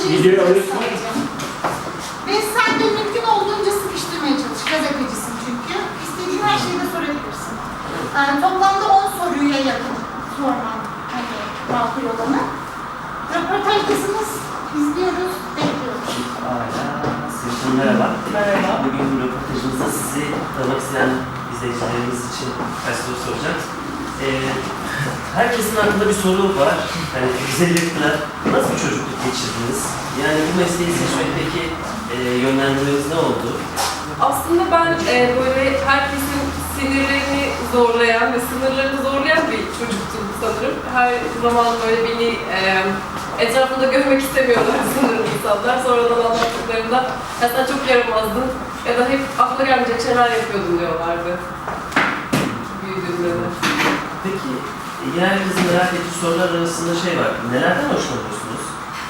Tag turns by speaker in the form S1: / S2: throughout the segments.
S1: Videoyu alıyorsun.
S2: Ve sen de mümkün olduğunca sıkıştırmaya çalış. Gazetecisin çünkü. İstediğin her şeyi de sorabilirsin. Toplamda 10 soruya yakın sorman hani makul olanı. Röportajdasınız, izliyoruz, bekliyoruz.
S3: Sevgili merhaba.
S4: Merhaba.
S3: Bugün röportajımızda sizi tanımak isteyen izleyicilerimiz için birkaç soru soracağım. Herkesin aklında bir soru var. Hani güzellikle nasıl bir çocukluk geçirdiniz? Yani bu mesleği seçmekteki yönlendirmeniz ne oldu?
S4: Aslında ben böyle herkesin sinirlerini zorlayan ve sınırlarını zorlayan bir çocuktum sanırım. Her zaman böyle beni etrafında görmek istemiyorlar sanırım insanlar. Sonradan anlattıklarında ya sen çok yaramazdın ya da hep akla gelmeyecek şeyler yapıyordun diyorlardı. Büyüdüğümde de.
S3: Peki yine herkesin merak ettiği sorular arasında şey var. Nelerden hoşlanıyorsunuz?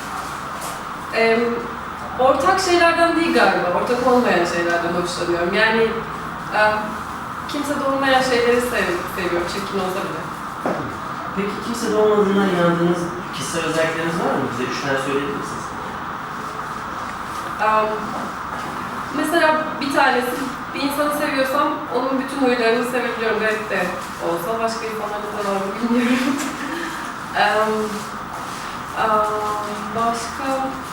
S4: Ortak şeylerden değil galiba, ortak olmayan şeylerden hoşlanıyorum. Yani kimsede olmayan şeyleri seviyorum, çirkin olsa bile.
S3: Peki kimsede olmadığına inandığınız kişisel özellikleriniz var mı? Bize 3 tane söyleyebilir misiniz?
S4: Mesela bir tanesi, bir insanı seviyorsam onun bütün huylarını sevebiliyorum. Garip de olsa, başka insanlarda da var mı bilmiyorum. Başka...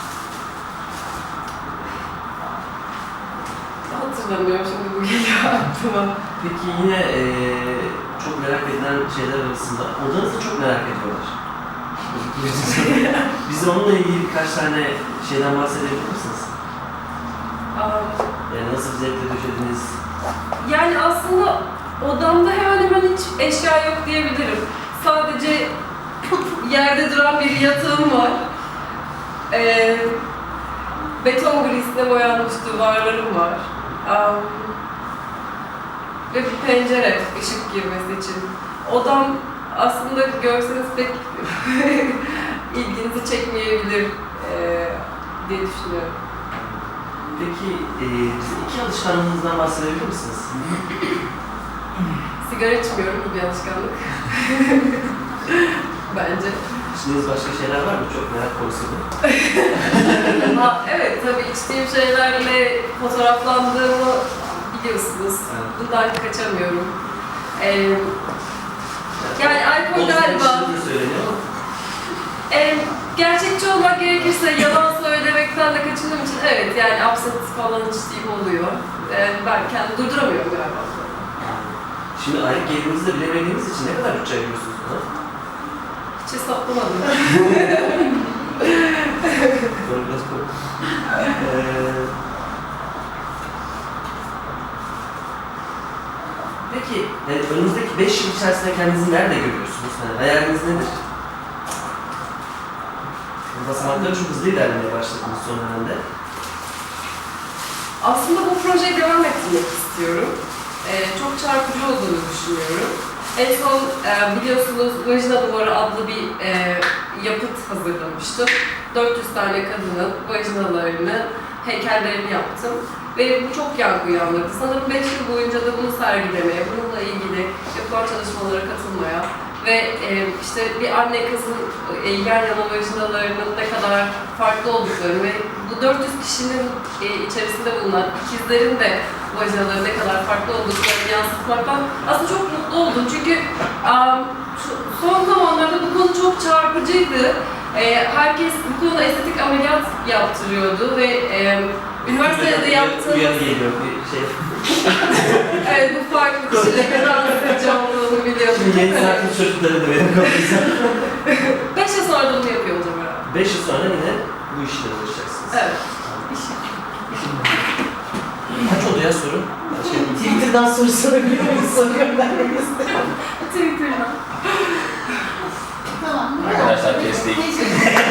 S4: Hatırlamıyorum şimdi, bu geliyor aklıma.
S3: Peki yine çok merak edilen şeyler arasında, odanızı çok merak ediyorlar. Bize onunla ilgili birkaç tane şeyden bahsedebilir misiniz? Yani nasıl bir zevkle döşediniz?
S4: Yani aslında odamda hemen hemen hiç eşya yok diyebilirim. Sadece yerde duran bir yatağım var. Beton grisine boyanmış duvarlarım var. Ve bir pencere, ışık girmesi için. Odam aslında görseniz pek ilginizi çekmeyebilir diye düşünüyorum.
S3: Peki bize 2 alışkanlığınızdan bahsedebilir misiniz?
S4: Sigara içmiyorum, bu bir alışkanlık. Bence.
S3: İçtiğiniz başka şeyler var mı? Çok merak konusu bu.
S4: Evet, tabii içtiğim şeylerle fotoğraflandığımı biliyorsunuz.
S3: Evet.
S4: Bundan kaçamıyorum. Yani alkol galiba... Gerçekçi olmak gerekirse yalan söylemekten de kaçındığım için evet, yani absent falan içtiğim oluyor. Ben kendimi durduramıyorum galiba.
S3: Şimdi aylık gelirinizi de bilemediğiniz için ne kadar bütçe ayırıyorsunuz buna?
S4: Hiç hesaplamadım.
S3: Doğru, biraz kork. Peki, önünüzdeki 5 yıl içerisinde kendinizi nerede görüyorsunuz? Yani hayaliniz nedir? Basamakları çok hızlı ilerlemeye başladınız son dönemde.
S4: Aslında bu projeye devam ettirmek istiyorum. Çok çarpıcı olduğunu düşünüyorum. En son biliyorsunuz Vajina Duvarı adlı bir yapıt hazırlamıştım. 400 tane kadının vajinalarını, heykellerini yaptım. Ve bu çok yankı uyandırdı. Sanırım 5 yıl boyunca da bunu sergilemeye, bununla ilgili yapılan çalışmalara katılmaya ve işte bir anne kızın yan yana vajinalarının ne kadar farklı olduklarını ve bu 400 kişinin içerisinde bulunan ikizlerin de vajinaları ne kadar farklı olduklarını yansıtmaktan aslında çok mutlu oldum. Çünkü son zamanlarda bu konu çok çarpıcıydı. Herkes bu konuda estetik ameliyat yaptırıyordu ve üniversitede yaptığımız...
S3: Uyanı geliyor bir şey.
S4: Evet, bu farklı kişilere daha sıkıcı olduğunu biliyorum.
S3: Yeni saatli çocukları da benim kafamıza.
S4: 5 yıl sonra da bunu yapıyor olacağım herhalde.
S3: 5 yıl sonra yine bu işle uğraşacaksınız.
S4: Evet.
S3: Kaç oldu ya soru?
S1: Twitter'dan soru sorabiliyor muyuz? Soruyorum ben de istiyorum.
S4: Twitter'dan.
S2: Tamam.
S5: Arkadaşlar kestik.
S2: Teşekkür ederim.